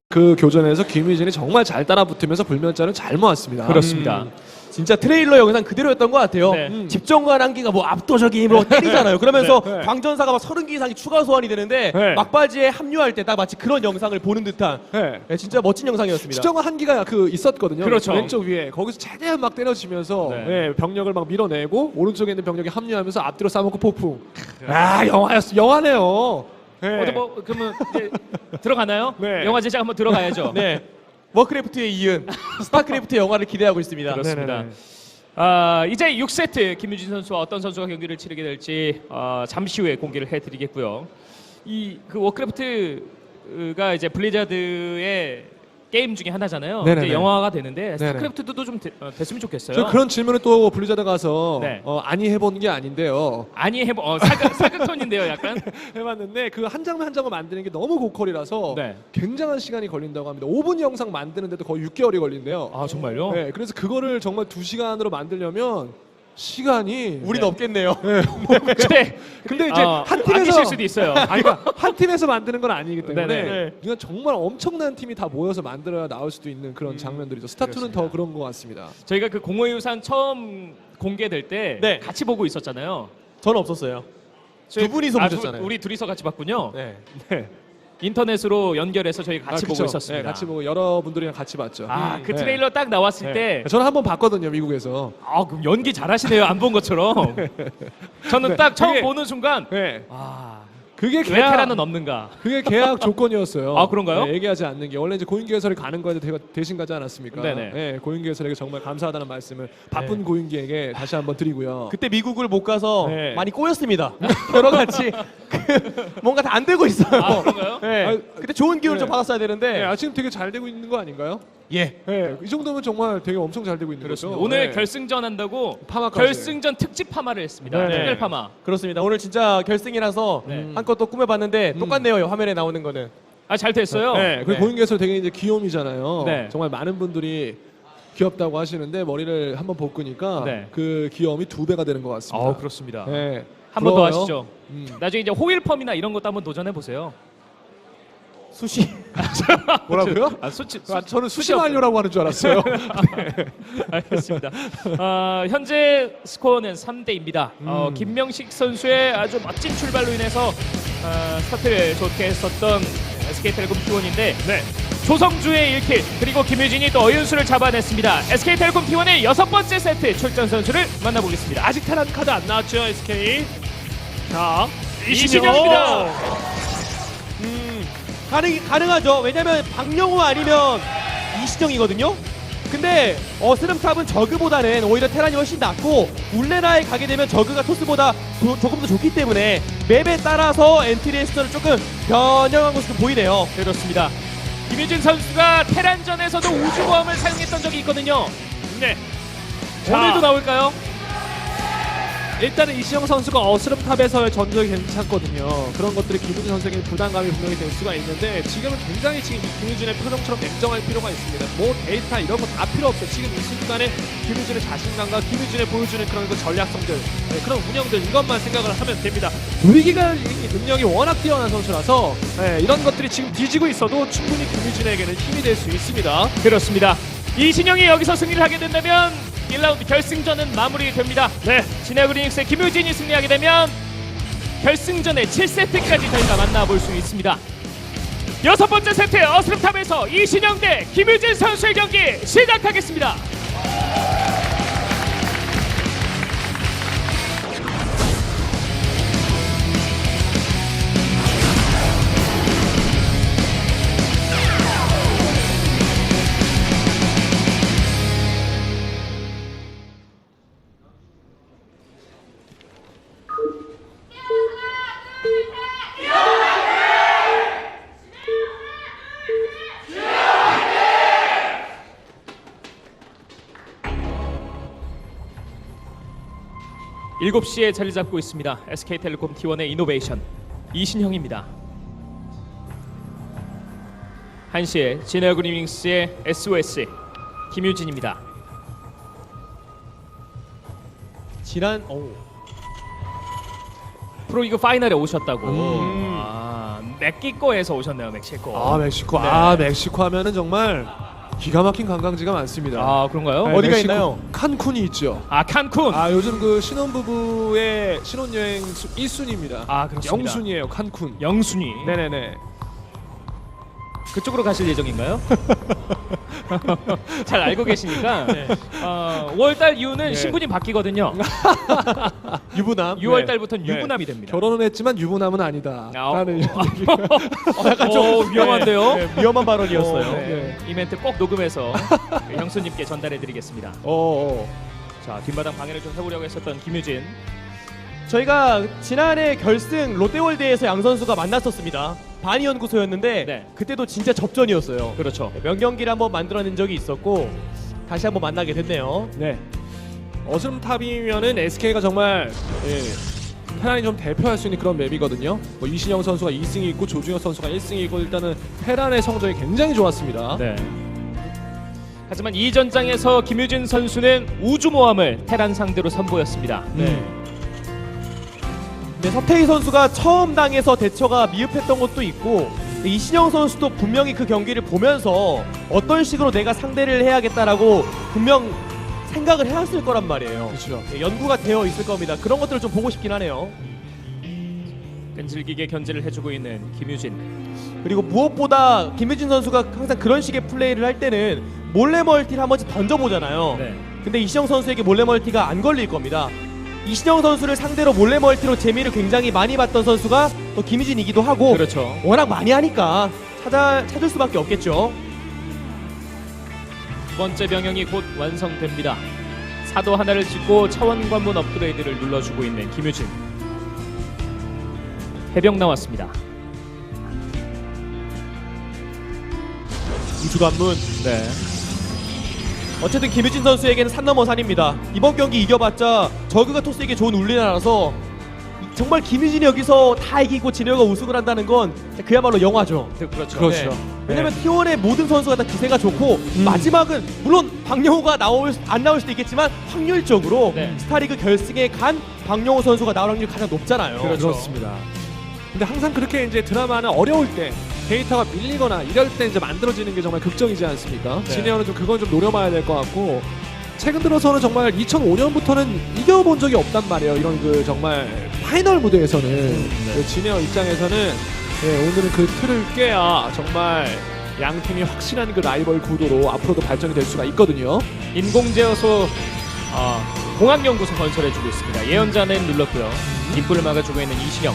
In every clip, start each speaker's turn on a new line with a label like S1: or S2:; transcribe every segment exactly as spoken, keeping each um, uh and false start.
S1: 그 교전에서 김유진이 정말 잘 따라붙으면서 불면자를 잘 모았습니다.
S2: 그렇습니다.
S3: 음, 진짜 트레일러 영상 그대로였던 것 같아요.
S2: 네.
S3: 음. 집정관 한기가 뭐 압도적인 힘으로 때리잖아요. 그러면서
S1: 네, 네.
S3: 광전사가 막 서른 개 이상이 추가 소환이 되는데
S1: 네.
S3: 막바지에 합류할 때 딱 마치 그런 영상을 보는 듯한
S1: 네.
S3: 네, 진짜 멋진 영상이었습니다.
S1: 시정은 한기가 그 있었거든요.
S2: 그렇죠.
S1: 왼쪽 위에 거기서 최대한 막 때려치면서
S2: 네.
S1: 네, 병력을 막 밀어내고 오른쪽에 있는 병력이 합류하면서 앞뒤로 싸먹고 폭풍. 아 영화였어. 영화네요. 네.
S2: 어디 뭐 그러면 이제 들어가나요?
S1: 네.
S2: 영화 제작 한번 들어가야죠.
S3: 네. 워크래프트에 이은 스타크래프트 영화를 기대하고 있습니다.
S2: 그렇습니다.
S1: 네네네.
S2: 아, 이제 육 세트 김유진 선수와 어떤 선수가 경기를 치르게 될지 어, 잠시 후에 공개를 해드리겠고요. 이 그 워크래프트가 이제 블리자드의 게임 중에 하나잖아요.
S1: 네네네.
S2: 이제 영화가 되는데 스타크래프트도 좀 되, 어, 됐으면 좋겠어요.
S1: 저 그런 질문을 또 블리자드 가서
S2: 네.
S1: 어, 아니 해본 게 아닌데요.
S2: 아니 해보 어, 사극 사극톤인데요, 약간.
S1: 해봤는데 그 한 장면 한 장면 만드는 게 너무 고퀄이라서
S2: 네.
S1: 굉장한 시간이 걸린다고 합니다. 오 분 영상 만드는데도 거의 육 개월이 걸린대요.
S2: 아 정말요?
S1: 네, 그래서 그거를 정말 두 시간으로 만들려면 시간이
S3: 우린
S2: 네.
S3: 없겠네요.
S2: 근데
S1: 근데 이제
S2: 어,
S1: 한
S2: 아끼실
S1: 팀에서
S2: 수도 있어요.
S1: 아니 그러니까 한 팀에서 만드는 건 아니기 때문에
S2: 네네.
S1: 이건 정말 엄청난 팀이 다 모여서 만들어야 나올 수도 있는 그런
S2: 음,
S1: 장면들이죠. 스타투는 더 그런 것 같습니다.
S2: 저희가 그 공허유산 처음 공개될 때
S3: 네.
S2: 같이 보고 있었잖아요.
S3: 저는 없었어요.
S2: 저희-
S3: 두 분이서
S2: 아, 두-
S3: 보셨잖아요.
S2: 우리 둘이서 같이 봤군요.
S3: 네.
S1: 네.
S2: 인터넷으로 연결해서 저희 같이
S1: 아,
S2: 보고
S1: 그쵸.
S2: 있었습니다.
S1: 네, 같이 보고 여러분들이랑 같이 봤죠.
S2: 아,
S1: 음,
S2: 그
S1: 네.
S2: 트레일러 딱 나왔을
S1: 네.
S2: 때
S1: 저는 한번 봤거든요, 미국에서.
S2: 아, 그럼 연기 잘하시네요. 안 본 것처럼. 저는
S1: 네,
S2: 딱 처음
S1: 그게-
S2: 보는 순간
S1: 네.
S2: 아,
S1: 그게
S2: 왜
S1: 계약
S2: 테라는 없는가?
S1: 그게 계약 조건이었어요.
S2: 아, 그런가요?
S1: 네, 얘기하지 않는 게 원래 이제 고인규 해설이 가는 거에 대- 대신 가지 않았습니까?
S2: 네네.
S1: 네, 고인규 해설에게 정말 감사하다는 말씀을 바쁜 고인규에게 다시 한번 드리고요.
S3: 그때 미국을 못 가서
S1: 네.
S3: 많이 꼬였습니다. 여러 가지 그 뭔가 다 안 되고 있어요.
S2: 아, 그런가요?
S3: 네.
S1: 아,
S3: 그때 좋은 기운을
S1: 네.
S3: 좀 받았어야 되는데.
S1: 네, 아, 지금 되게 잘 되고 있는 거 아닌가요?
S3: 예.
S1: 네, 이 정도면 정말 되게 엄청 잘 되고 있는 거죠.
S2: 오늘
S1: 네.
S2: 결승전 한다고
S1: 파마까지.
S2: 결승전 특집 파마를 했습니다.
S1: 네네.
S2: 특별 파마.
S3: 그렇습니다. 오늘 진짜 결승이라서
S2: 네.
S3: 한껏 또 꾸며봤는데 똑같네요. 화면에 나오는 거는.
S2: 아, 잘 됐어요.
S1: 네, 그리고
S3: 네.
S1: 고인규 해설 되게 이제 귀염이잖아요.
S2: 네.
S1: 정말 많은 분들이 귀엽다고 하시는데 머리를 한번 볶으니까
S2: 네.
S1: 그 귀염이 두 배가 되는 것 같습니다.
S2: 아, 그렇습니다.
S1: 네.
S2: 한 번 더
S1: 부러워요.
S2: 하시죠.
S1: 음.
S2: 나중에 이제 호일펌이나 이런 것도 한번 도전해 보세요.
S3: 수시.
S1: 뭐라고요?
S2: 아, 수치,
S1: 아, 저는 수시
S2: 수시 없어요.
S1: 완료라고 하는 줄 알았어요.
S2: 알겠습니다. 어, 현재 스코어는 삼 대입니다. 어,
S1: 음.
S2: 김명식 선수의 아주 멋진 출발로 인해서 어, 스타트를 좋게 했었던 에스케이텔레콤 티원인데 조성주의 일 킬 그리고 김유진이 또 어윤수를 잡아냈습니다. 에스케이텔레콤 티원의 여섯 번째 세트 출전 선수를 만나보겠습니다.
S1: 아직 테란 카드 안 나왔죠, 에스케이. 자,
S2: 이신영입니다.
S3: 음, 가능, 가능하죠. 왜냐면 박영호 아니면 이시정이거든요. 근데 어스름탑은 저그보다는 오히려 테란이 훨씬 낫고 울레나에 가게 되면 저그가 토스보다 조, 조금 더 좋기 때문에 맵에 따라서 엔트리의 수준을 조금 변형한 모습도 보이네요.
S2: 그렇습니다. 김유진 선수가 테란전에서도 우주보험을 사용했던 적이 있거든요. 네.
S1: 자.
S2: 오늘도 나올까요?
S1: 일단은 이시영 선수가 어스름탑에서의 전적이 괜찮거든요. 그런 것들이 김유진 선수에게 부담감이 분명히 될 수가 있는데 지금은 굉장히 지금 이 김유진의 표정처럼 냉정할 필요가 있습니다. 뭐 데이터 이런 거 다 필요 없어요. 지금 이 순간에 김유진의 자신감과 김유진의 보여주는 그런 그 전략성들, 네, 그런 운영들 이것만 생각을 하면 됩니다. 위기가 능력이 워낙 뛰어난 선수라서 네, 이런 것들이 지금 뒤지고 있어도 충분히 김유진에게는 힘이 될 수 있습니다.
S2: 그렇습니다. 이신영이 여기서 승리를 하게 된다면 일 라운드 결승전은 마무리됩니다. 네, 진해그리닉스의 김유진이 승리하게 되면 결승전의 칠 세트까지 저희가 만나볼 수 있습니다. 여섯 번째 세트 어스름탑에서 이신영 대 김유진 선수의 경기 시작하겠습니다. 일곱 시에 자리 잡고 있습니다. 에스케이텔레콤 티원의 이노베이션 이신형입니다. 한 시에 진해그리닝스의 에스오에스 김유진입니다.
S3: 지난 오.
S2: 프로리그 파이널에 오셨다고.
S1: 음.
S2: 아, 멕시코에서 오셨네요. 멕시코.
S1: 아 멕시코.
S2: 네.
S1: 아 멕시코 하면은 정말 기가 막힌 관광지가 많습니다.
S2: 아, 그런가요?
S1: 네,
S3: 어디가
S1: 멕시코
S3: 있나요?
S1: 칸쿤이 있죠.
S2: 아, 칸쿤.
S1: 아 요즘 그 신혼부부의 신혼여행 일 순위입니다.
S2: 아, 그렇습니다.
S1: 영순이에요 칸쿤.
S2: 영순이.
S1: 네네네.
S2: 그쪽으로 가실 예정인가요? 잘 알고 계시니까.
S3: 네.
S2: 어, 오월달 이후는
S1: 네.
S2: 신분이 바뀌거든요.
S3: 유부남.
S2: 유월달부터는
S1: 네.
S2: 유부남이 됩니다.
S1: 결혼은 했지만 유부남은 아니다.
S2: 아,
S1: 라는
S2: 어.
S1: 얘기가.
S3: 어, 약간 좀
S2: 오, 위험한데요?
S3: 네, 네, 위험한 발언이었어요.
S2: 어,
S1: 네.
S2: 이 멘트 꼭 녹음해서 형수님께 전달해드리겠습니다.
S1: 어, 어.
S2: 자, 뒷마당 방해를 좀 해보려고 했었던 김유진.
S3: 저희가 지난해 결승 롯데월드에서 양 선수가 만났었습니다. 바니 연구소였는데
S2: 네.
S3: 그때도 진짜 접전이었어요.
S2: 그렇죠.
S3: 명경기를 한번 만들어낸 적이 있었고 다시 한번 만나게 됐네요.
S1: 네. 어스름탑이면은 에스케이가 정말 예, 테란이 좀 대표할 수 있는 그런 맵이거든요. 뭐 이신영 선수가 이 승이 있고 조중혁 선수가 일 승이 있고 일단은 테란의 성적이 굉장히 좋았습니다.
S2: 네. 하지만 이 전장에서 김유진 선수는 우주모함을 테란 상대로 선보였습니다.
S3: 네. 네, 서태희 선수가 처음 당해서 대처가 미흡했던 것도 있고 이신영 선수도 분명히 그 경기를 보면서 어떤 식으로 내가 상대를 해야겠다라고 분명 생각을 해왔을 거란 말이에요.
S1: 그렇죠.
S3: 네, 연구가 되어 있을 겁니다. 그런 것들을 좀 보고 싶긴 하네요.
S2: 끈질기게 견제를 해주고 있는 김유진.
S3: 그리고 무엇보다 김유진 선수가 항상 그런 식의 플레이를 할 때는 몰래 멀티를 한 번씩 던져보잖아요.
S2: 네.
S3: 근데 이신영 선수에게 몰래 멀티가 안 걸릴 겁니다. 이신영 선수를 상대로 몰래 멀티로 재미를 굉장히 많이 봤던 선수가 또 김유진이기도 하고
S2: 그렇죠.
S3: 워낙 많이 하니까 찾아, 찾을 수밖에 없겠죠.
S2: 두 번째 병영이 곧 완성됩니다. 사도 하나를 짓고 차원 관문 업그레이드를 눌러주고 있는 김유진. 해병 나왔습니다.
S3: 우주관문.
S2: 네.
S3: 어쨌든 김유진 선수에게는 산 넘어 산입니다. 이번 경기 이겨봤자 저그가 토스에게 좋은 울리나라서 정말 김유진이 여기서 다 이기고 진혁이가 우승을 한다는 건 그야말로 영화죠.
S2: 그- 그렇죠.
S1: 그렇죠.
S3: 네. 왜냐면 티원의 모든 선수가 다 기세가 좋고 마지막은 물론 박영호가 나올 수- 안 나올 수도 있겠지만 확률적으로
S2: 네.
S3: 스타리그 결승에 간 박영호 선수가 나올 확률이 가장 높잖아요.
S2: 그렇죠.
S1: 그렇습니다. 근데 항상 그렇게 이제 드라마는 어려울 때 데이터가 밀리거나 이럴 때 이제 만들어지는 게 정말 극적이지 않습니까?
S2: 네.
S1: 진해원은 좀 그건 좀 노려봐야 될 것 같고 최근 들어서는 정말 이천오 년부터는 이겨본 적이 없단 말이에요. 이런 그 정말 파이널 무대에서는 그 진해원 입장에서는 예, 오늘은 그 틀을 깨야 정말 양 팀이 확실한 그 라이벌 구도로 앞으로도 발전이 될 수가 있거든요.
S2: 인공제어소 아, 공학연구소 건설해주고 있습니다. 예언자는 눌렀고요. 뒷불을 막아주고 있는 이신영.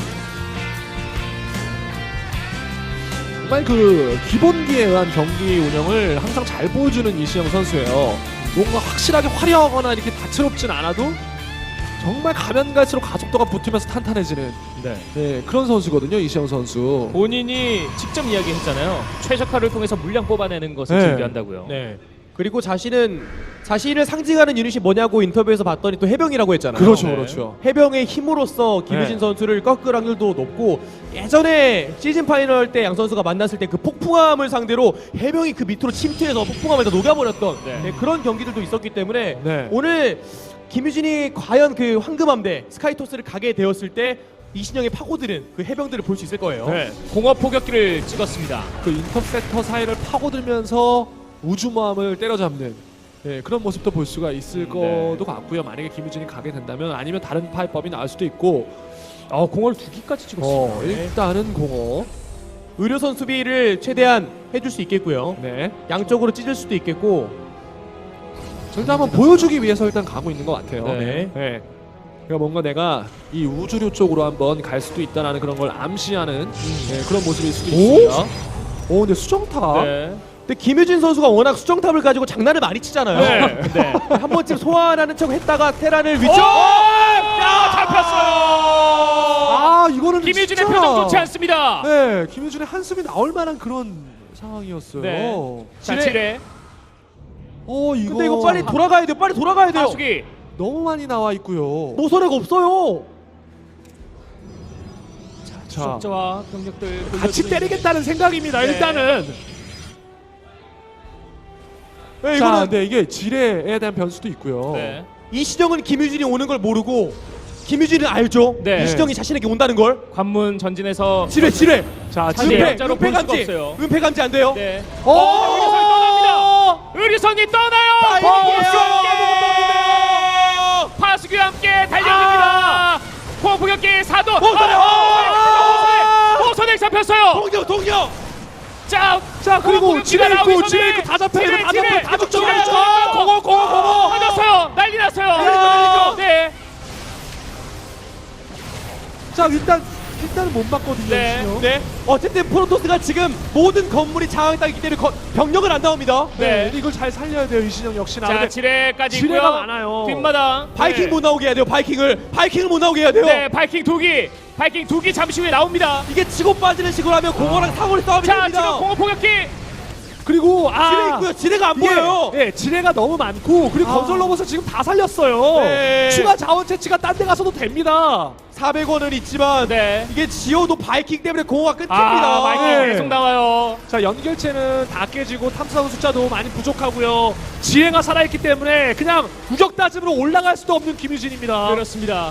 S1: 정말 그 기본기에 의한 경기 운영을 항상 잘 보여주는 이시영 선수예요. 뭔가 확실하게 화려하거나 이렇게 다채롭진 않아도 정말 가면 갈수록 가속도가 붙으면서 탄탄해지는
S2: 네.
S1: 네, 그런 선수거든요. 이시영 선수.
S2: 본인이 직접 이야기했잖아요. 최적화를 통해서 물량 뽑아내는 것을
S1: 네.
S2: 준비한다고요.
S3: 네. 그리고 자신은 자신을 상징하는 유닛이 뭐냐고 인터뷰에서 봤더니 또 해병이라고 했잖아요.
S1: 그렇죠,
S2: 네.
S1: 그렇죠.
S3: 해병의 힘으로써 김유진
S1: 네.
S3: 선수를 꺾을 확률도 높고 예전에 시즌 파이널 때 양 선수가 만났을 때 그 폭풍함을 상대로 해병이 그 밑으로 침투해서 폭풍함에다 녹여버렸던
S2: 네.
S3: 네, 그런 경기들도 있었기 때문에
S1: 네.
S3: 오늘 김유진이 과연 그 황금함대 스카이토스를 가게 되었을 때 이신영의 파고드는 그 해병들을 볼 수 있을 거예요.
S1: 네.
S2: 공업 포격기를 찍었습니다.
S1: 그 인터셉터 사이를 파고들면서 우주모함을 때려잡는 네, 그런 모습도 볼 수가 있을
S2: 네.
S1: 것도 같고요. 만약에 김유진이 가게 된다면 아니면 다른 파이법이 나올 수도 있고
S2: 어, 공을 두 기까지 찍었습니다.
S1: 어, 일단은 공허
S3: 의료선 수비를 최대한 해줄 수 있겠고요.
S1: 네.
S3: 양쪽으로 찢을 수도 있겠고.
S1: 일단 한번 보여주기 위해서 일단 가고 있는 것 같아요.
S3: 네.
S1: 네. 그러니까 뭔가 내가 이 우주류 쪽으로 한번 갈 수도 있다라는 그런 걸 암시하는 네, 그런 모습일 수도
S3: 오?
S1: 있습니다. 오, 근데 수정탑.
S2: 네.
S3: 근데 김유진 선수가 워낙 수정탑을 가지고 장난을 많이 치잖아요.
S2: 네. 네.
S3: 한 번쯤 소환하는 척 했다가 테란을 위쪽.
S2: 야, 잡혔어요.
S1: 아, 이거는
S2: 김유진의
S1: 진짜...
S2: 표정 좋지 않습니다.
S1: 네, 김유진의 한숨이 나올 만한 그런 상황이었어요.
S2: 네. 자,
S3: 지뢰.
S2: 지뢰.
S1: 어, 이거
S3: 근데 이거 빨리 돌아가야 돼요. 빨리 돌아가야 돼요.
S2: 하수기.
S1: 너무 많이 나와 있고요.
S3: 모서리가 없어요.
S1: 자,
S2: 수적자와 병력들
S1: 같이
S2: 돌려주는-
S1: 때리겠다는 생각입니다.
S2: 네.
S1: 일단은.
S3: 네,
S1: 자,
S3: 이거는
S1: 근데 이게 지뢰에 대한 변수도 있고요.
S2: 네.
S3: 이시정은 김유진이 오는 걸 모르고 김유진은 알죠.
S2: 네.
S3: 이시정이 자신에게 온다는 걸.
S2: 관문 전진해서
S3: 지뢰 지뢰.
S1: 자,
S2: 자신
S1: 지뢰.
S3: 은폐
S2: 역자로
S3: 은폐
S2: 볼 수가
S3: 감지.
S2: 없어요.
S3: 은폐 감지 안 돼요.
S2: 네.
S3: 오!
S2: 어, 의료선이 떠납니다. 의료선이 떠나요.
S3: 파이팅이에요.
S2: 파수기와 함께 달려듭니다. 포격기 사도.
S3: 호선에
S2: 호선에 잡혔어요.
S3: 동료 동료.
S2: 자,
S1: 자, 그리고
S2: 포격기가
S1: 지뢰 있고,
S2: 나오기
S1: 지뢰
S2: 전에
S1: 있고 다 잡혀 있어,
S2: 지뢰,
S1: 다
S2: 지뢰,
S1: 잡혀, 다 죽죠,
S2: 지뢰,
S1: 다 죽죠.
S2: 지뢰.
S1: 공어, 공어, 공어.
S2: 맞았어요. 난리 났어요.
S3: 날리죠,
S2: 네.
S1: 자, 일단 일단은 못 맞거든요.
S2: 네.
S1: 이시영.
S3: 네. 어쨌든 프로토스가 지금 모든 건물이 장악당했기 때문에 거, 병력을 안 나옵니다.
S1: 네.
S2: 네.
S1: 이걸 잘 살려야 돼요, 이신영 역시나.
S2: 자,
S1: 근데
S2: 지뢰까지
S1: 지뢰가
S2: 있고요.
S1: 많아요.
S2: 뒷마당.
S3: 바이킹
S1: 네.
S3: 못 나오게 해야 돼요. 바이킹을 바이킹을 못 나오게 해야 돼요.
S2: 네, 바이킹 두기. 바이킹 두기 잠시 후에 나옵니다.
S3: 이게 치고 빠지는 식으로 하면 공허랑 사고를 싸움이
S2: 자,
S3: 됩니다.
S2: 지금 공업 포격기.
S1: 그리고 아,
S3: 지뢰 있고요. 지뢰가 안
S1: 이게,
S3: 보여요.
S1: 예, 지뢰가 너무 많고 그리고
S3: 아.
S1: 건설 로봇을 지금 다 살렸어요.
S3: 네.
S1: 추가 자원 채취가 딴 데 가서도 됩니다.
S3: 사백 원은 있지만
S2: 네.
S3: 이게 지어도 바이킹 때문에 공허가 끊깁니다.
S2: 아, 바이킹
S1: 네.
S2: 계속 나와요.
S1: 자, 연결체는 다 깨지고 탐사선 숫자도 많이 부족하고요. 지혜가 살아있기 때문에 그냥 우격 따짐으로 올라갈 수도 없는 김유진입니다.
S2: 그렇습니다.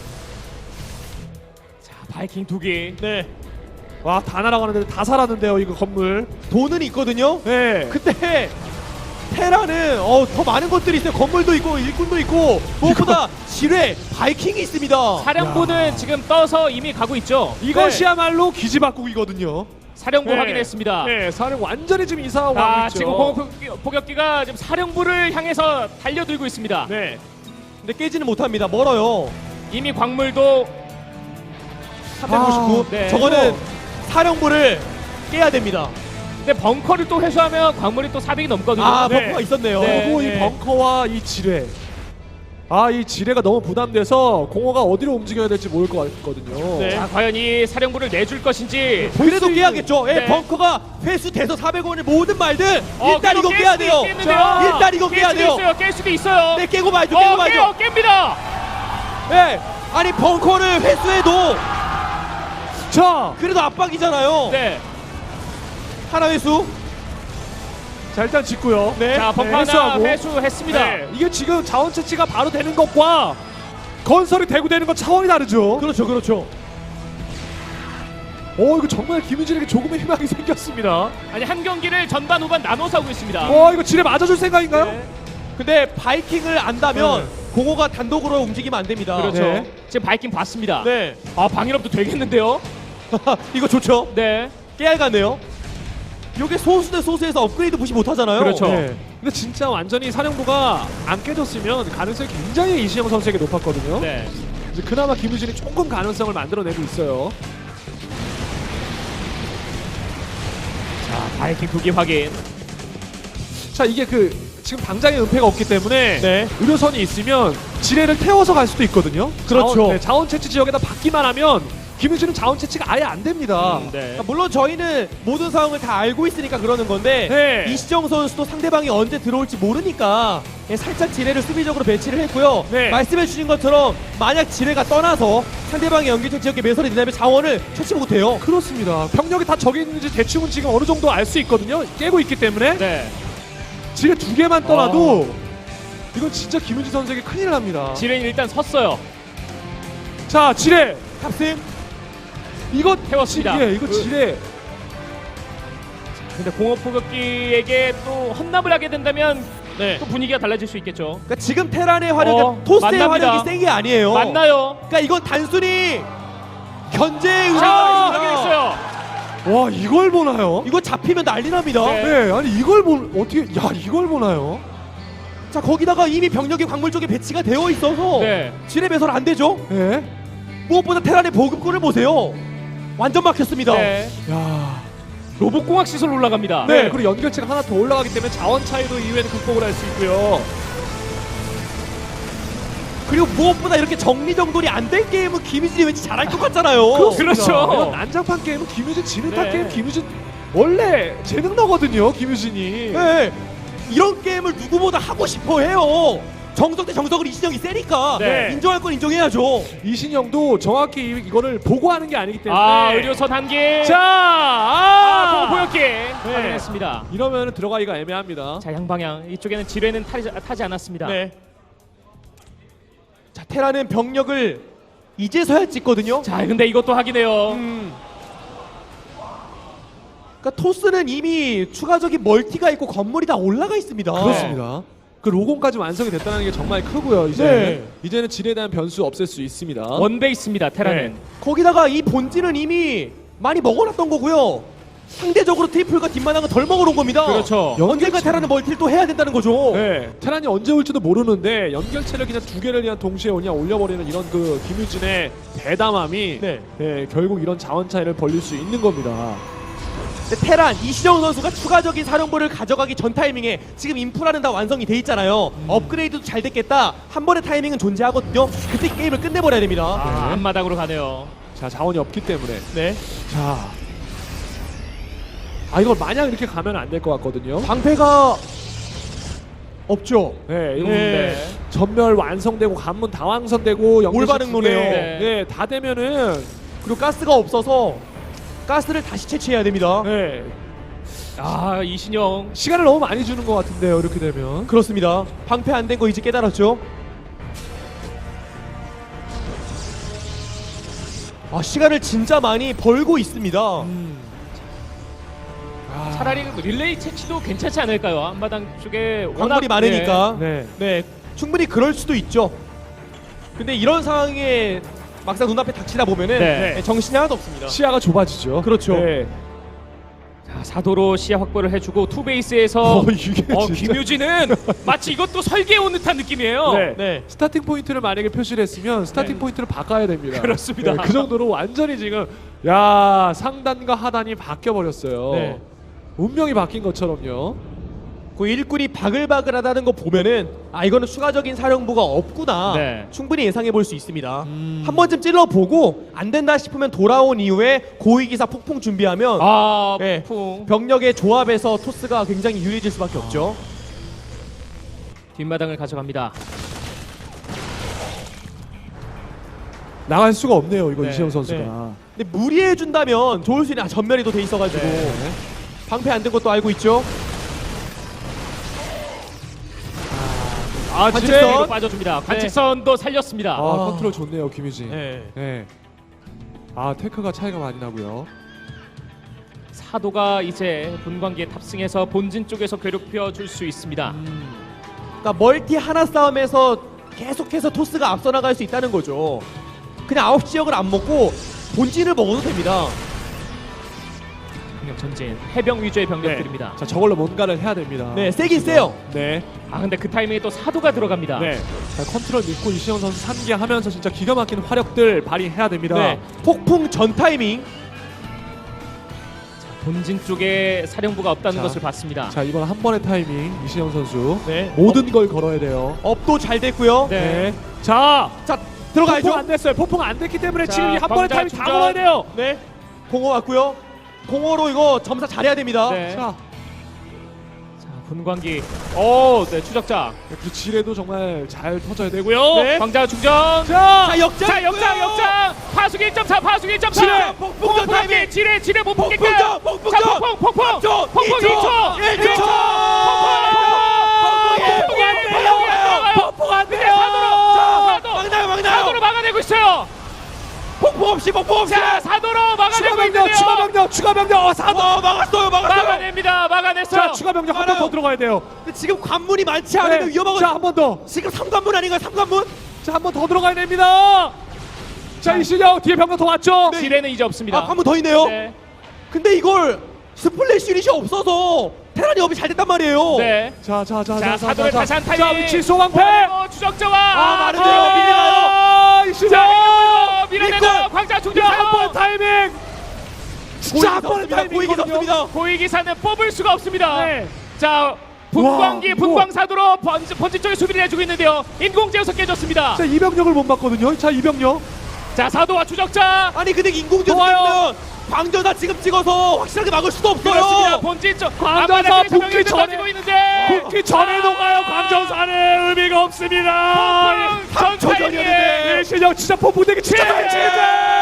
S2: 자, 바이킹 두기.
S3: 네.
S1: 와, 다 날아가는데 다 살았는데요, 이거 건물.
S3: 돈은 있거든요.
S1: 네.
S3: 근데 테라는 어, 더 많은 것들이 있어요. 건물도 있고 일꾼도 있고 무엇보다 지뢰, 바이킹이 있습니다.
S2: 사령부는 지금 떠서 이미 가고 있죠.
S1: 이것이야말로 기지박국이거든요.
S2: 사령부
S1: 네.
S2: 확인했습니다.
S1: 네, 사령 완전히 지금 이상하고
S2: 아,
S1: 가고 있죠.
S2: 지금 공업 포격기- 포격기가 지금 사령부를 향해서 달려들고 있습니다.
S1: 네.
S3: 근데 깨지는 못합니다. 멀어요.
S2: 이미 광물도
S3: 삼백구십구.
S2: 네.
S3: 저거는 사령부를 깨야 됩니다.
S2: 근데 벙커를 또 회수하면 광물이 또 사백이 넘거든요.
S3: 아,
S1: 네.
S3: 벙커가 있었네요.
S2: 네.
S1: 그리고 이 벙커와 이 지뢰. 아, 이 지뢰가 너무 부담돼서 공허가 어디로 움직여야 될지 모를 것 같거든요.
S3: 네.
S2: 자, 과연 이 사령부를 내줄 것인지.
S3: 그래도
S1: 수
S3: 깨야겠죠. 예,
S2: 네.
S3: 벙커가 회수돼서 사백 원을 모든 말들
S2: 어,
S3: 일단
S2: 그리고
S3: 이거
S2: 깰
S3: 깨야
S2: 수도
S3: 돼요.
S2: 있겠는데요?
S1: 자,
S3: 일단 이거
S2: 깰
S3: 깨야
S2: 수도
S3: 돼요.
S2: 있어요. 깰 수도 있어요.
S3: 네, 깨고 말죠. 깨고
S2: 어,
S3: 말죠.
S2: 깨요. 깹니다.
S3: 예. 아니 벙커를 회수해도
S1: 자,
S3: 그래도 압박이잖아요.
S2: 네.
S3: 하나 회수.
S1: 자, 일단 짓고요.
S3: 네.
S2: 자, 벙커 하나
S1: 회수하고.
S2: 회수했습니다.
S1: 네, 이게 지금 자원 채취가 바로 되는 것과 건설이 되고 되는 건 차원이 다르죠.
S3: 그렇죠, 그렇죠.
S1: 어, 이거 정말 김유진에게 조금의 희망이 생겼습니다.
S2: 아니, 한 경기를 전반 후반 나눠서 하고 있습니다.
S1: 어, 이거 지뢰 맞아줄 생각인가요?
S2: 네.
S3: 근데 바이킹을 안다면 공허가 단독으로 움직이면 안 됩니다.
S2: 그렇죠.
S1: 네.
S2: 지금 바이킹 봤습니다.
S3: 네.
S2: 아, 방일업도 되겠는데요?
S3: 이거 좋죠.
S2: 네.
S3: 깨알 같네요. 요게 소수 대 소수에서 업그레이드 무시 못 하잖아요.
S2: 그렇죠.
S1: 네. 근데 진짜 완전히 사령부가 안 깨졌으면 가능성이 굉장히 이시영 선수에게 높았거든요.
S2: 네.
S1: 이제 그나마 김유진이 조금 가능성을 만들어내고 있어요.
S2: 자, 바이킹 두기 확인.
S1: 자, 이게 그 지금 당장의 은폐가 없기 때문에
S3: 네.
S1: 의료선이 있으면 지뢰를 태워서 갈 수도 있거든요.
S3: 그렇죠.
S1: 자원, 네, 자원 채취 지역에다 받기만 하면 김유진은 자원 채취가 아예 안 됩니다.
S2: 음, 네.
S3: 그러니까 물론 저희는 모든 상황을 다 알고 있으니까 그러는 건데
S1: 네.
S3: 이시정 선수도 상대방이 언제 들어올지 모르니까 예, 살짝 지뢰를 수비적으로 배치를 했고요.
S1: 네.
S3: 말씀해 주신 것처럼 만약 지뢰가 떠나서 상대방의 연결체 지역에 매설이 된다면 자원을 채취 못해요.
S1: 그렇습니다. 병력이 다 저기 있는지 대충은 지금 어느 정도 알 수 있거든요. 깨고 있기 때문에
S2: 네.
S1: 지뢰 두 개만 떠나도 이건 진짜 김유진 선수에게 큰일 납니다.
S2: 지뢰는 일단 섰어요.
S1: 자, 지뢰
S3: 탑승.
S1: 이거
S2: 태웠습니다.
S1: 지- 예, 이거
S2: 그-
S1: 지뢰.
S2: 근데 공업 포격기에게 또 헌납을 하게 된다면
S3: 네.
S2: 또 분위기가 달라질 수 있겠죠.
S3: 그러니까 지금 테란의 화력이
S2: 어,
S3: 토스의
S2: 만납니다.
S3: 화력이 센 게 아니에요.
S2: 맞나요?
S3: 그러니까 이건 단순히 견제의
S2: 자,
S3: 의미가 있습니다.
S2: 확인했어요.
S1: 와, 이걸 보나요?
S3: 이거 잡히면 난리 납니다.
S2: 네.
S1: 네, 아니 이걸 보 어떻게 야, 이걸 보나요?
S3: 자 거기다가 이미 병력이 광물 쪽에 배치가 되어 있어서
S2: 네.
S3: 지뢰 배설 안 되죠.
S1: 네.
S3: 무엇보다 테란의 보급고를 보세요. 완전 막혔습니다.
S2: 네.
S1: 야.
S2: 로봇공학 시설 올라갑니다.
S1: 네, 그리고 연결체가 하나 더 올라가기 때문에 자원 차이도 이후에는 극복을 할 수 있고요.
S3: 그리고 무엇보다 이렇게 정리정돈이 안 된 게임은 김희진이 왠지 잘할 것 같잖아요.
S2: 그렇죠.
S1: 이런 난장판 게임은 김유진 지는 타
S2: 네.
S1: 게임 김유진 원래 재능너거든요, 김유진이.
S3: 네. 이런 게임을 누구보다 하고 싶어 해요. 정석 대 정석을 이신영이 세니까
S2: 네.
S3: 인정할 건 인정해야죠.
S1: 이신영도 정확히 이- 이거를 보고하는 게 아니기 때문에.
S2: 아, 의료선 한 개.
S1: 자,
S2: 아,
S1: 아,
S2: 공업 포격기 확인했습니다.
S1: 이러면 들어가기가 애매합니다.
S2: 자, 양방향. 이쪽에는 지뢰는 타지, 타지 않았습니다.
S3: 네. 자 테라는 병력을 이제서야 찍거든요.
S2: 자, 근데 이것도 확인해요.
S3: 음. 그러니까 토스는 이미 추가적인 멀티가 있고 건물이 다 올라가 있습니다.
S1: 그렇습니다. 그 로공까지 완성이 됐다는 게 정말 크고요. 이제
S3: 네.
S1: 이제는 질에 대한 변수 없앨 수 있습니다.
S2: 원베이스입니다, 테라는.
S1: 네.
S3: 거기다가 이 본진은 이미 많이 먹어놨던 거고요. 상대적으로 트리플과 뒷마당은 덜 먹어놓은 겁니다.
S2: 그렇죠.
S3: 언젠가 테라는 멀티를 또 해야 된다는 거죠.
S1: 네, 테란이 언제 올지도 모르는데 연결체를 그냥 두 개를 그냥 동시에 그냥 올려버리는 이런 그 김유진의 대담함이
S3: 네.
S1: 네, 결국 이런 자원 차이를 벌릴 수 있는 겁니다.
S3: 근데 테란 이시정 선수가 추가적인 사령부를 가져가기 전 타이밍에 지금 인프라는 다 완성이 돼 있잖아요.
S1: 음.
S3: 업그레이드도 잘 됐겠다. 한 번의 타이밍은 존재하거든요. 그때 게임을 끝내버려야 됩니다.
S2: 아,
S1: 네.
S2: 앞마당으로 가네요.
S1: 자, 자원이 없기 때문에.
S3: 네.
S1: 자, 아 이걸 마냥 이렇게 가면 안 될 것 같거든요.
S3: 방패가 없죠.
S1: 네, 이거
S3: 네.
S1: 전멸 완성되고 관문 다 완성되고 연결체
S3: 올바른
S1: 두
S3: 노네요.
S1: 개,
S2: 네.
S1: 네, 다 되면은
S3: 그리고 가스가 없어서 가스를 다시 채취해야 됩니다.
S1: 네,
S2: 아, 이신영.
S1: 시간을 너무 많이 주는 것 같은데요. 이렇게 되면.
S3: 그렇습니다. 방패 안 된 거 이제 깨달았죠. 아, 시간을 진짜 많이 벌고 있습니다.
S1: 음. 아,
S2: 차라리 릴레이 채취도 괜찮지 않을까요? 앞마당 쪽에 워낙
S3: 광물이 많으니까.
S1: 네.
S3: 네, 충분히 그럴 수도 있죠. 근데 이런 상황에 막상 눈앞에 닥치다 보면은
S2: 네.
S3: 네, 정신이 하나도 없습니다.
S1: 시야가 좁아지죠.
S3: 그렇죠.
S1: 네.
S2: 자, 사도로 시야 확보를 해주고 투베이스에서
S1: 어, 이게
S2: 어,
S1: 진짜.
S2: 김유진은 마치 이것도 설계해 온 듯한 느낌이에요.
S1: 네.
S3: 네.
S1: 스타팅 포인트를 만약에 표시를 했으면 스타팅
S2: 네.
S1: 포인트를 바꿔야 됩니다.
S2: 그렇습니다.
S1: 네, 그 정도로 완전히 지금 야 상단과 하단이 바뀌어 버렸어요.
S3: 네.
S1: 운명이 바뀐 것처럼요.
S3: 그 일꾼이 바글바글하다는 거 보면은 아 이거는 추가적인 사령부가 없구나.
S2: 네.
S3: 충분히 예상해 볼 수 있습니다.
S1: 음.
S3: 한 번쯤 찔러 보고 안 된다 싶으면 돌아온 이후에 고위기사 폭풍 준비하면
S2: 아,
S3: 네.
S2: 폭풍.
S3: 병력의 조합에서 토스가 굉장히 유리해질 수밖에 없죠.
S2: 뒷마당을 가져갑니다.
S1: 나갈 수가 없네요. 이거
S2: 네,
S1: 이시영 선수가.
S3: 네. 근데 무리해 준다면 좋을 수 있는 아, 전멸이 또 돼 있어가지고
S1: 네.
S3: 방패 안 된 것도 알고 있죠.
S2: 아,
S3: 관측선.
S2: 지뢰로 빠져줍니다. 관측선도 살렸습니다.
S1: 아,
S3: 아.
S1: 컨트롤 좋네요, 김유진.
S3: 네.
S1: 네. 아, 테크가 차이가 많이 나고요.
S2: 사도가 이제 분광기에 탑승해서 본진 쪽에서 괴롭혀 줄 수 있습니다.
S1: 음.
S3: 그러니까 멀티 하나 싸움에서 계속해서 토스가 앞서 나갈 수 있다는 거죠. 그냥 아홉 지역을 안 먹고 본진을 먹어도 됩니다.
S2: 병력 전진, 해병 위주의 병력들입니다.
S1: 자, 저걸로 뭔가를 해야 됩니다.
S3: 네, 세긴 세요.
S1: 네.
S2: 아, 근데 그 타이밍에 또 사도가 들어갑니다.
S1: 네. 자, 컨트롤 믿고 이시영 선수 산계하면서 진짜 기가 막힌 화력들 발휘해야 됩니다.
S3: 네. 폭풍 전 타이밍.
S2: 본진 쪽에 사령부가 없다는
S1: 자.
S2: 것을 봤습니다.
S1: 자, 이번 한 번의 타이밍 이시영 선수
S3: 네.
S1: 모든 걸 걸어야 돼요.
S3: 업도 잘 됐고요.
S2: 네.
S1: 네. 자,
S3: 자,
S1: 폭풍
S3: 들어가야죠.
S1: 안 됐어요. 폭풍 안 됐기 때문에
S2: 자,
S1: 지금 이 한 번의
S2: 광자
S1: 타이밍 다
S2: 충전.
S1: 걸어야 돼요.
S3: 네. 공허 왔고요. 공허로 이거 점사 잘해야 됩니다.
S2: 네.
S1: 자,
S2: 자, 분광기. 오, 네, 추적자.
S1: 그 지뢰도 정말 잘 터져야 되고요.
S3: 네.
S2: 광자 충전.
S1: 자,
S3: 자, 역장.
S2: 자, 역장, 역장. 파수기 일 점 사, 파수기 일 점 사.
S3: 지뢰, 폭풍전 타이밍.
S2: 지뢰, 지뢰 못 뽑겠다.
S3: 폭풍전, 폭풍전.
S2: 자, 폭풍, 폭풍.
S3: 삼 초,
S2: 폭풍
S3: 이 초,
S2: 이 초.
S3: 일 초.
S2: 일 초. 폭풍이 안 돼요.
S3: 폭풍 안
S2: 근데
S3: 돼요.
S2: 사도로, 사도.
S3: 막나요, 막나요.
S2: 사도로 막아내고 있어요.
S3: 폭풍 없이, 폭풍 없이.
S2: 자, 사도로
S1: 추가
S2: 막아내고
S1: 병력,
S2: 있는데요.
S1: 추가 병력, 추가 병력. 어, 사도.
S3: 어, 막았어요, 막았어요.
S2: 막아냅니다. 막아냈어요.
S1: 자, 추가 병력 한 번
S3: 알아요.
S1: 더 들어가야 돼요.
S3: 근데 지금 관문이 많지 않으면
S1: 네.
S3: 위험하거든요.
S1: 자, 한 번 더.
S3: 지금 삼 관문 아닌가요? 삼 관문?
S1: 자, 한 번 더 들어가야 됩니다. 자, 이시영 뒤에 병력 더 왔죠?
S2: 지뢰는 이제 없습니다.
S3: 아, 관문 더 있네요.
S2: 네.
S3: 근데 이걸 스플래시 유닛이 없어서 테란이 업이 잘 됐단 말이에요.
S2: 네.
S1: 자, 자, 자,
S2: 자,
S1: 자,
S2: 사도의
S1: 자,
S2: 다시 한
S1: 자,
S2: 타이밍.
S1: 자, 위치 소방패.
S2: 어, 추적자와
S3: 아, 마르네요.
S2: 아,
S3: 밀려나요.
S1: 아, 이시영.
S2: 자, 밀어내다
S3: 일꾼.
S2: 광자 충전.
S1: 자, 한 번 타이밍. 진짜 한 번의
S3: 고익이
S1: 타이밍이거든요.
S3: 없습니다.
S2: 고위기사는 뽑을 수가 없습니다.
S1: 네.
S2: 자, 분광기
S1: 와,
S2: 분광사도로 번지, 번지 쪽에 수비를 해주고 있는데요. 인공제어석 깨졌습니다.
S1: 자, 이 병력을 못 봤거든요. 자, 이 병력.
S2: 자, 사도와 추적자.
S3: 아니 근데 인공지능
S1: 좋아요.
S3: 쓰면 광전사 지금 찍어서 확실하게 막을 수도 없어요.
S2: 그렇습니다. 본진 쪽
S1: 광전사
S2: 앞마당에서
S1: 붙기
S2: 병력이
S1: 전에.
S2: 던지고 있는데.
S1: 붙기 전에 녹아요. 광전사는 의미가 없습니다.
S2: 전
S3: 초
S2: 타이밍에
S3: 전이었는데.
S1: 이시영 진짜 폭풍되기 진짜 잘 치는데.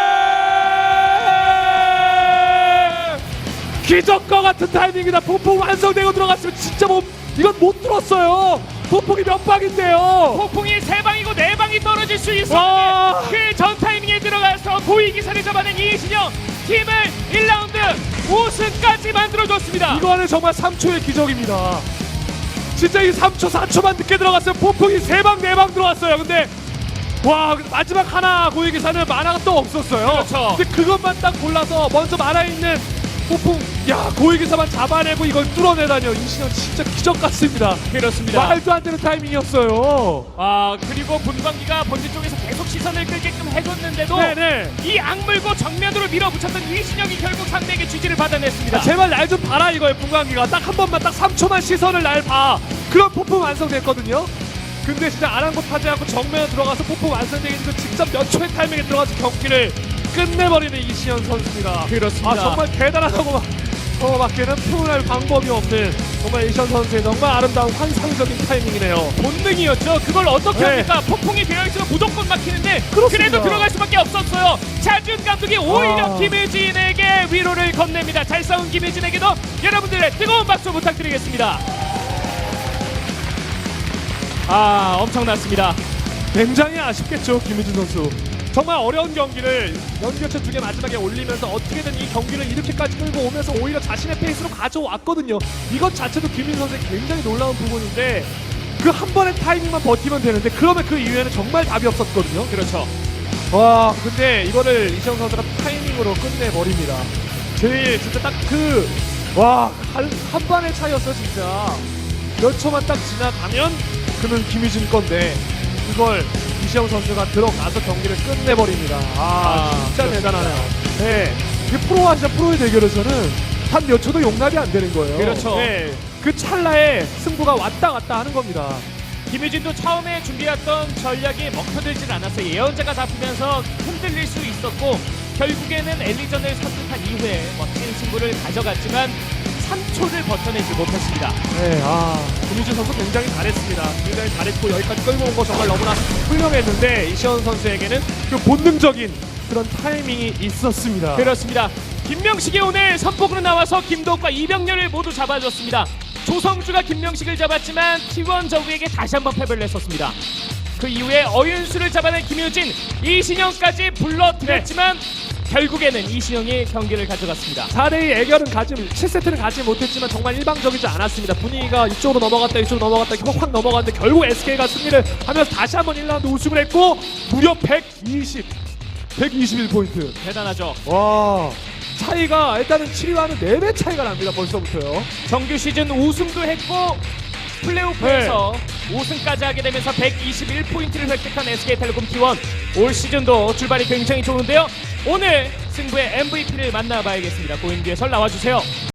S1: 기적과 같은 타이밍이다. 폭풍 완성되고 들어갔으면 진짜 뭐 이건 못 들었어요. 폭풍이 몇 방인데요.
S2: 폭풍이 세 방이고 네 방이 떨어질 수
S1: 와.
S2: 있었는데 그 전 타이밍에 들어가서 고위 기사를 잡아낸 이신영 팀을 일 라운드 우승까지 만들어줬습니다.
S1: 이거는 정말 삼 초의 기적입니다. 진짜 이 삼 초, 사 초만 늦게 들어갔어요. 폭풍이 세 방, 네 방 들어왔어요. 근데 와 마지막 하나 고위 기사는 만화가 또 없었어요.
S2: 그렇죠.
S1: 근데 그것만 딱 골라서 먼저 만화 있는 폭풍, 야 고위 기사만 잡아내고 이걸 뚫어내다니요. 이신영 진짜 기적 같습니다.
S2: 그렇습니다.
S1: 말도 안 되는 타이밍이었어요.
S2: 아 그리고 분광기가 본진 쪽에서 계속 시선을 끌게끔 해줬는데도
S1: 네네.
S2: 이 악물고 정면으로 밀어붙였던 이신영이 결국 상대에게 지지를 받아냈습니다.
S1: 아, 제발 날 좀 봐라 이거예요. 분광기가 딱 한 번만 딱 삼 초만 시선을 날 봐. 그런 폭풍 완성됐거든요. 근데 진짜 아랑곳하지 않고 정면에 들어가서 폭풍 완성되기 그 직접 몇 초의 타이밍에 들어가서 경기를 끝내버리는 이신영 선수입니다.
S2: 그렇습니다.
S1: 아 정말 대단하다고 어, 밖에는 표현할 방법이 없는 정말 이신영 선수의 정말 아름다운 환상적인 타이밍이네요.
S2: 본능이었죠. 그걸 어떻게
S1: 네.
S2: 합니까? 폭풍이 되어있으면 무조건 막히는데
S1: 그렇습니다.
S2: 그래도 들어갈 수밖에 없었어요. 차준 감독이 오히려
S1: 아.
S2: 김유진에게 위로를 건넵니다. 잘 싸운 김유진에게도 여러분들의 뜨거운 박수 부탁드리겠습니다. 아 엄청났습니다.
S1: 굉장히 아쉽겠죠 김유진 선수. 정말 어려운 경기를 연교체 두 개 마지막에 올리면서 어떻게든 이 경기를 이렇게까지 끌고 오면서 오히려 자신의 페이스로 가져왔거든요. 이것 자체도 김유진 선수의 굉장히 놀라운 부분인데 그 한 번의 타이밍만 버티면 되는데 그러면 그 이후에는 정말 답이 없었거든요.
S2: 그렇죠.
S1: 와 근데 이거를 이시영 선수가 타이밍으로 끝내버립니다. 제일 진짜 딱 그 와 한 한 반의 차이였어 진짜. 몇 초만 딱 지나가면 그는 김유진 건데 그걸 이시영 선수가 들어가서 경기를 끝내버립니다. 아,
S2: 아,
S1: 진짜
S2: 그렇습니다.
S1: 대단하네요. 네, 이 프로와 진짜 프로의 대결에서는 한 몇 초도 용납이 안 되는 거예요.
S2: 그렇죠.
S1: 네, 그 찰나에 승부가 왔다 갔다 하는 겁니다.
S2: 김유진도 처음에 준비했던 전략이 먹혀들질 않았어요. 예언자가 잡히면서 흔들릴 수 있었고 결국에는 엘리전을 선택한 이후에 멋진 승부를 가져갔지만 삼 초를 버텨내지 못했습니다.
S1: 네, 아, 김유진 선수 굉장히 잘했습니다. 굉장히 잘했고 여기까지 끌고 온 거 정말 너무나 훌륭했는데 이시현 선수에게는 그 본능적인 그런 타이밍이 있었습니다.
S2: 그렇습니다. 김명식이 오늘 선폭으로 나와서 김도욱과 이병렬을 모두 잡아줬습니다. 조성주가 김명식을 잡았지만 티원 저그에게 다시 한번 패배를 했었습니다. 그 이후에 어윤수를 잡아낸 김유진, 이신영까지 불러들였지만 결국에는 이신영이 경기를 가져갔습니다.
S1: 사 대이 애결은 가지, 칠 세트는 가지 못했지만 정말 일방적이지 않았습니다. 분위기가 이쪽으로 넘어갔다 이쪽으로 넘어갔다 이렇게 확 넘어갔는데 결국 에스케이가 승리를 하면서 다시 한번 일 라운드 우승을 했고 무려 백이십, 백이십일 포인트.
S2: 대단하죠.
S1: 와, 차이가 일단은 칠 위와는 네 배 차이가 납니다. 벌써부터요.
S2: 정규 시즌 우승도 했고 플레이오프에서 우승까지 하게 되면서 백이십일 포인트를 획득한 에스케이텔레콤 티원. 올 시즌도 출발이 굉장히 좋은데요. 오늘 승부의 엠브이피를 만나봐야겠습니다. 고인규 해설 나와주세요.